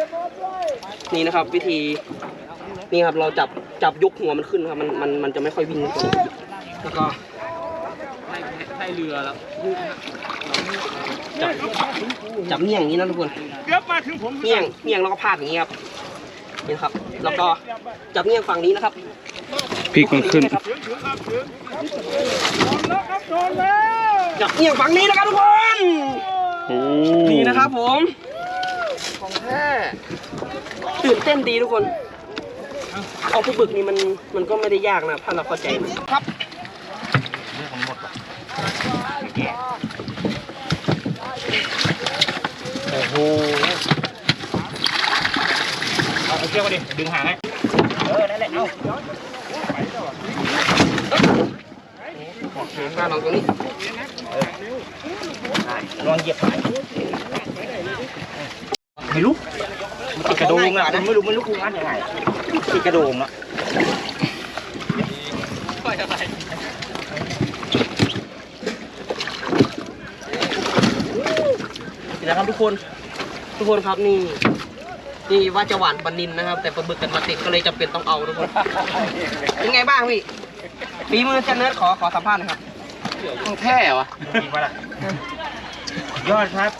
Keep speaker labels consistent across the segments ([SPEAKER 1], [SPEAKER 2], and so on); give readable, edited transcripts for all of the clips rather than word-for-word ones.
[SPEAKER 1] นี่นะครับวิธีนี่ครับเราจับยกหัวมันขึ้นครับมันจะไม่ค่อยวิ่งแล้วก็ได้เรือแล้วจับเงี้ยงอย่างนี้นะทุกคนเงี้ยงแล้วก็พาดอย่างนี้ครับนี่ครับแล้วก็จับเงี้ยงฝั่งนี้นะครับ
[SPEAKER 2] พลิกมันขึ้น
[SPEAKER 1] จับเงี้ยงฝั่งนี้นะครับทุกคนนี่นะครับผมของแท้ตื่นเต้นดีทุกคนเอาปลาบึกนี่มันก็ไม่ได้ยากนะถ้าเราเข้าใจมันครับโอ้โหเอาเชือกมาดิดึงหางให้นั่นแหละเอาข้าลองตรงนี้ลองเหยียบไปไม่รู้ติดกระโดงอ่ะไม่รู้กูงัดยังไงติดกระโดงอ่ะนะครับทุกคนครับนี่ว่าจะหวานปลานิลนะครับแต่ปลาบึกกันมาติดก็เลยจำเป็นต้องเอาทุกคนเป็นไงบ้างพี่ฝีมือจันเนิร์ดขอสัมภาษณ์หน่อยครับของแท้วะจริงปะล่ะยอดครับ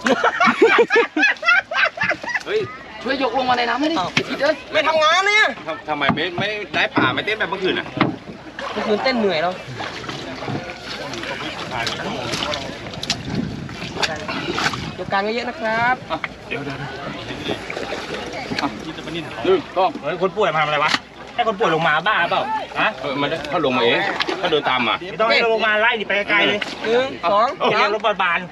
[SPEAKER 1] เฮ้ยช่วยยกลงมาในน้ำให้ดิไม่ทำงานเนี่ย
[SPEAKER 3] ทำไมไม่ได้ป่าไม่เต้นแบบเมื่อคืนอ่ะ
[SPEAKER 1] เมื่อคืนเต้นเหนื่อยแล้วยกการเยอะๆนะครับ
[SPEAKER 3] เดี๋ยวต้อง
[SPEAKER 4] คนป่วยมาทำอะไรวะให้คนป่วยลงมาบ้าเปล่าฮะ
[SPEAKER 3] มันเขาลงมาเองเขาเดินตามมา
[SPEAKER 4] ไม่ต้องให้ลงมาไล่ดิไปไกลเลย
[SPEAKER 1] 1 2
[SPEAKER 4] เรียกรถบาล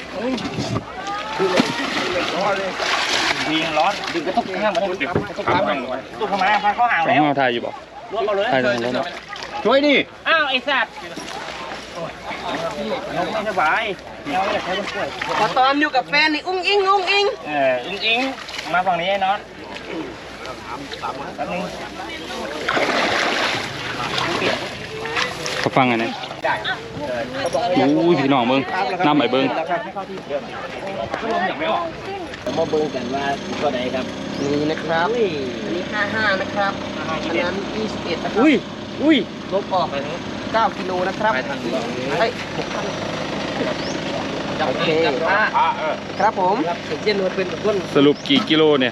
[SPEAKER 4] ร้อนดึงกระตุกข้างมาได้ดึงกระตุกข้างมาพาเข้าห่างแล้ว
[SPEAKER 2] ถ่ายอยู่บ่
[SPEAKER 4] รถเอาเลย
[SPEAKER 3] ช่วยดิ
[SPEAKER 4] อ้าวไอ้สัตว์ไม่สบาย
[SPEAKER 1] พอตอนอยู่กับแฟนนี่อุ้งอิง
[SPEAKER 4] อิงมาฝั่งนี้ไอ้น็อตแป๊บนึง
[SPEAKER 2] เขาฟังไงเนี่ยอู้พี่น้องเบิ้งน้ำใหม่เบิ้ง
[SPEAKER 4] มาเบิ้งกันว่าตัวไหนครับ
[SPEAKER 1] นี่นะครับอันนี้55นะครับอันนั้น21นะครับลบออก9กิโลนะครับเฮ้ยโอเคครับผมเย็นเป็นกับคน
[SPEAKER 2] สรุปกี่กิโลเนี่ย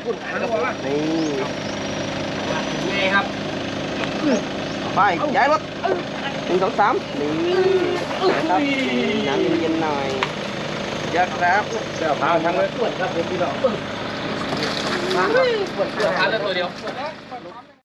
[SPEAKER 1] นี่ครับไปย้ายรถ1 2 3นี่นะครับน้ำเย็นๆหน่อยเยอะครับ
[SPEAKER 4] เจ้าพาทั้งเลยปวดครับเป็นพี่น้อง
[SPEAKER 1] ปวดขาเลยตัวเดียว